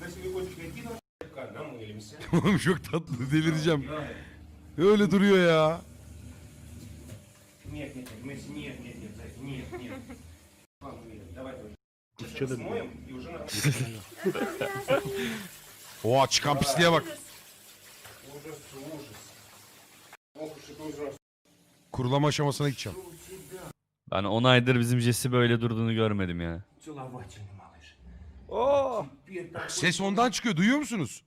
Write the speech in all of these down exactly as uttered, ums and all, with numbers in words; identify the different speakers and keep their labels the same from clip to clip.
Speaker 1: Oğlum çok tatlı, delireceğim. Öyle duruyor ya. Oha, çıkan pisliğe bak. Kurulama aşamasına gideceğim.
Speaker 2: Ben on aydır bizim Jesse böyle durduğunu görmedim ya.
Speaker 3: Oo.
Speaker 1: Ses ondan çıkıyor, duyuyor musunuz?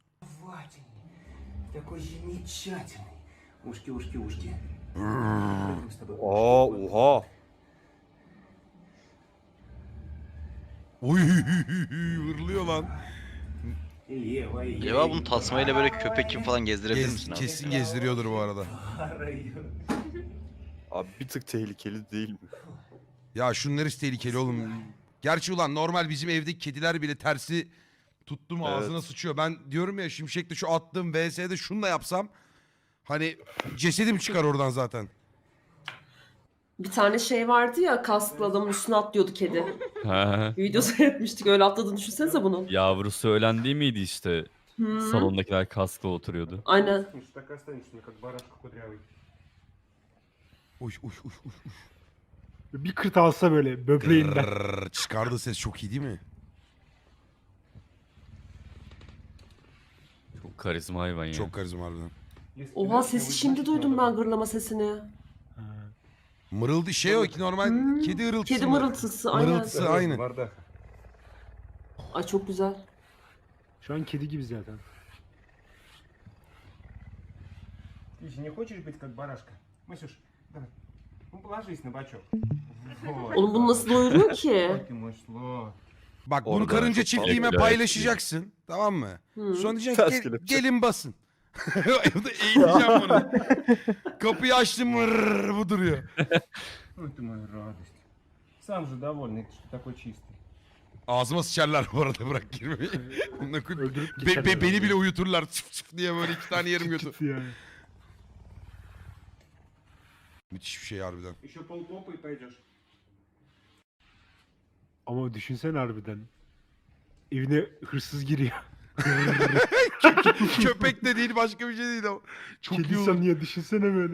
Speaker 3: Aa, oha.
Speaker 1: Oy, vırlıyor lan.
Speaker 4: Acaba bunu tasmayla böyle köpek gibi falan gezdirebilir
Speaker 1: Gez,
Speaker 4: misin abi?
Speaker 1: kesin gezdiriyordur bu arada.
Speaker 3: Abi bir tık tehlikeli değil mi?
Speaker 1: Ya şunlar hiç tehlikeli oğlum. Gerçi ulan normal bizim evdeki kediler bile tersi tuttum ağzına
Speaker 3: Evet.
Speaker 1: sıçıyor. Ben diyorum ya Şimşek'te şu attığım V S'de şununla yapsam hani cesedim çıkar oradan zaten.
Speaker 5: Bir tane şey vardı ya, kasklı adamın üstüne atlıyordu kedi.
Speaker 2: Ha,
Speaker 5: Bir video seyretmiştik, öyle atladığını düşünsenize bunun.
Speaker 2: yavrusu ölen değil miydi işte?
Speaker 5: Hı.
Speaker 2: Salondakiler kaskla oturuyordu.
Speaker 5: Aynen.
Speaker 1: Uy uy uy uy.
Speaker 6: Bir kırt alsa böyle böbreğinden.
Speaker 1: Grrrr, çıkardığı ses çok iyi değil mi?
Speaker 2: Çok karizma hayvan ya.
Speaker 1: Çok karizma harbiden.
Speaker 5: Oha, sesi şimdi duydum ben, gırlama sesini.
Speaker 1: Mırıldı şey o ki normal
Speaker 5: Hmm,
Speaker 1: kedi hırıltısı
Speaker 5: Kedi
Speaker 1: mı?
Speaker 5: mırıltısı, aynen.
Speaker 1: Mırıltısı aynı.
Speaker 5: Ay çok güzel.
Speaker 6: Şu an kedi gibi zaten.
Speaker 7: Слушай, не хочешь быть как барашка? Масюш, давай. Ну, положись на бочок.
Speaker 5: Oğlum bunu nasıl doyuruyor ki?
Speaker 7: Ты мой слон.
Speaker 1: Bak bunu
Speaker 3: Orada
Speaker 1: karınca
Speaker 3: çok
Speaker 1: çiftliğime
Speaker 2: fazla-
Speaker 1: paylaşacaksın. Tamam mı?
Speaker 5: Hı.
Speaker 1: Sonra diyeceksin
Speaker 3: Ters
Speaker 1: "Gel-
Speaker 3: kelepçe."
Speaker 1: gelin basın. Evde eğileceğim bunu. Kapıyı açtım mırrrr, bu duruyor.
Speaker 7: Ну, ты моя радость. Сам же довольный, что такой чистый.
Speaker 1: Ağzıma sıçarlar bu arada, bırak girmeyi. Bununla koy-
Speaker 6: Öldürüp
Speaker 1: Be-
Speaker 6: geçerler
Speaker 1: be- beni
Speaker 6: yani.
Speaker 1: bile uyuturlar çıf çıf diye böyle iki tane yerim götü.
Speaker 6: Git yani.
Speaker 1: Müthiş bir şey harbiden.
Speaker 7: Еще полпопа и пойдешь.
Speaker 6: Ama düşünsene harbiden. Evine hırsız giriyor.
Speaker 1: Köpek de değil, başka bir şey değil o. Çok iyi
Speaker 6: Kedi
Speaker 1: olur.
Speaker 6: sanıyor, düşünsene böyle.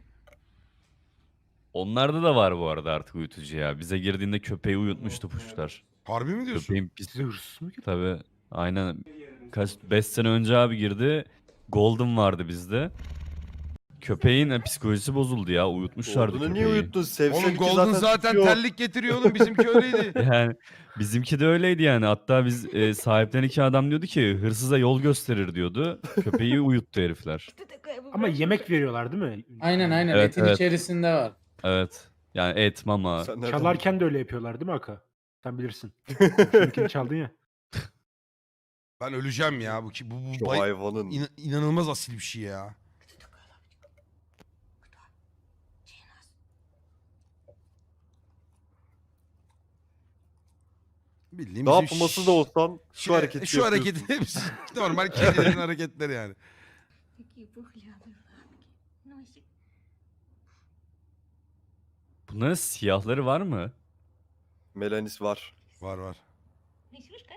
Speaker 2: Onlarda da var bu arada artık uyutucu ya. Bize girdiğinde köpeği uyutmuştu puşlar.
Speaker 1: Harbi mi diyorsun?
Speaker 2: Köpeğin pis...
Speaker 6: Size hırsız mı giriyor?
Speaker 2: Tabii. Aynen. Kaç... beş sene önce abi girdi. Golden vardı bizde. Köpeğin e, psikolojisi bozuldu ya. Uyutmuşlardı
Speaker 3: Golden'ı
Speaker 2: köpeği.
Speaker 3: niye uyuttun? Sevsek
Speaker 1: Oğlum
Speaker 3: ki
Speaker 1: Golden zaten
Speaker 3: tutuyor.
Speaker 1: terlik getiriyor oğlum, bizimki öyleydi.
Speaker 2: Yani bizimki de öyleydi yani. Hatta biz e, sahipten iki adam diyordu ki hırsıza yol gösterir diyordu. Köpeği uyuttu herifler.
Speaker 6: Ama yemek veriyorlar değil mi?
Speaker 8: Aynen aynen,
Speaker 2: Evet,
Speaker 8: etin
Speaker 2: evet.
Speaker 8: içerisinde var.
Speaker 2: Evet. Yani et, mama.
Speaker 3: Sen nereden
Speaker 6: Çalarken de öyle yapıyorlar değil mi Aka? Sen bilirsin. Şuradakini çaldın ya.
Speaker 1: Ben öleceğim ya bu ki bu, bu
Speaker 3: Şu
Speaker 1: bay-
Speaker 3: hayvanın.
Speaker 1: İna- inanılmaz asil bir şey ya. Bildiğim
Speaker 3: Ne
Speaker 1: bizim
Speaker 3: yapması
Speaker 1: ş-
Speaker 3: da olsan şu
Speaker 1: şey-
Speaker 3: hareketi
Speaker 1: Şu
Speaker 3: yapıyorsun.
Speaker 1: hareketi hepsi normal kedilerin hareketleri yani.
Speaker 9: Какие пухлявые лапки. Носик.
Speaker 2: Bunların siyahları var mı?
Speaker 3: Melanis var.
Speaker 1: Var var.
Speaker 9: Носюшка.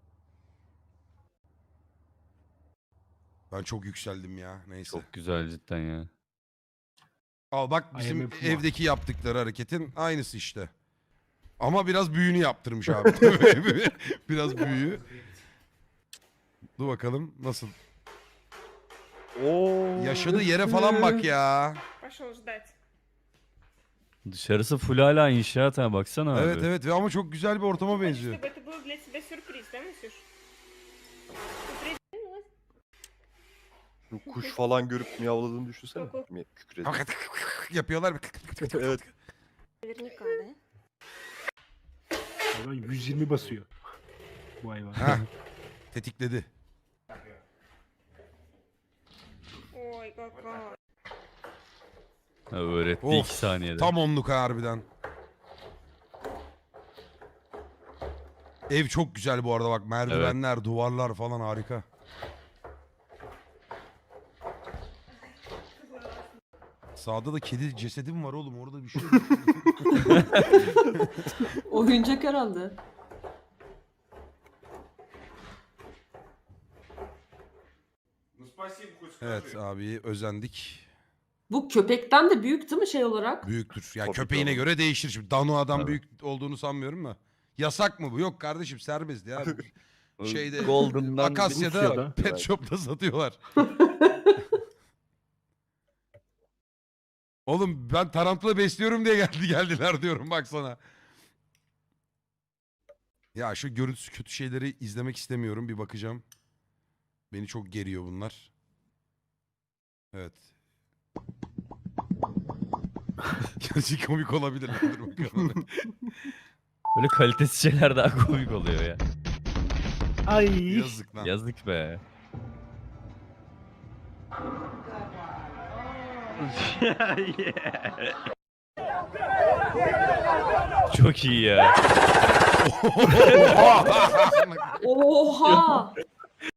Speaker 1: Ben çok yükseldim ya, neyse.
Speaker 2: Çok güzel cidden ya.
Speaker 1: Al bak
Speaker 6: I
Speaker 1: bizim
Speaker 6: am a puma.
Speaker 1: evdeki yaptıkları hareketin aynısı işte. Ama biraz büyüğünü yaptırmış abi. Biraz büyüğü. Dur bakalım nasıl.
Speaker 3: Oo.
Speaker 1: Yaşadığı yere falan bak ya.
Speaker 9: Пошел ждать.
Speaker 2: Dışarısı full hala inşaat ha, baksana abi.
Speaker 1: Evet evet ve ama çok güzel bir ortama benziyor.
Speaker 9: Чтобы это был для тебя сюрприз, да, Масюш? Ты придвинулась?
Speaker 3: Şu kuş falan görüp miyavladığını düşünsene. Mi- Kükredi.
Speaker 1: Yapıyorlar.
Speaker 3: Evet.
Speaker 9: Наверняка, да?
Speaker 6: Hayvan yüz yirmi basıyor. Bu hayvan.
Speaker 1: Heh, tetikledi.
Speaker 9: Ой, какая.
Speaker 2: Ha, öğretti
Speaker 1: Of,
Speaker 2: iki saniyede.
Speaker 1: Tam onluk ha harbiden. Ev çok güzel bu arada bak, merdivenler, duvarlar falan harika. Sağda da kedi cesedim var oğlum, orada bir şey yok.
Speaker 5: Oyuncak herhalde.
Speaker 7: спасибо хоть скажи.
Speaker 1: Evet abi özendik.
Speaker 5: Bu köpekten de büyük değil mi şey olarak?
Speaker 1: Büyüktür. Ya
Speaker 3: Tabii
Speaker 1: köpeğine
Speaker 3: canım.
Speaker 1: göre değişir. Şimdi Danoa'dan
Speaker 2: Tabii.
Speaker 1: büyük olduğunu sanmıyorum da. Yasak mı bu? Yok kardeşim serbest ya. Şeyde
Speaker 2: Golden'dan
Speaker 1: Akasya'da
Speaker 6: Rusya'da.
Speaker 1: pet shop'ta satıyorlar. Oğlum ben tarantula besliyorum diye geldi geldiler diyorum baksana. Ya şu görüntüsü kötü şeyleri izlemek istemiyorum. Bir bakacağım. Beni çok geriyor bunlar. Evet. Gerçi komik olabilir. Dur bakalım.
Speaker 2: Böyle kalitesiz şeyler daha komik oluyor ya.
Speaker 6: Ay.
Speaker 1: Yazık lan.
Speaker 2: Yazık be. Çok iyi ya.
Speaker 5: Oha!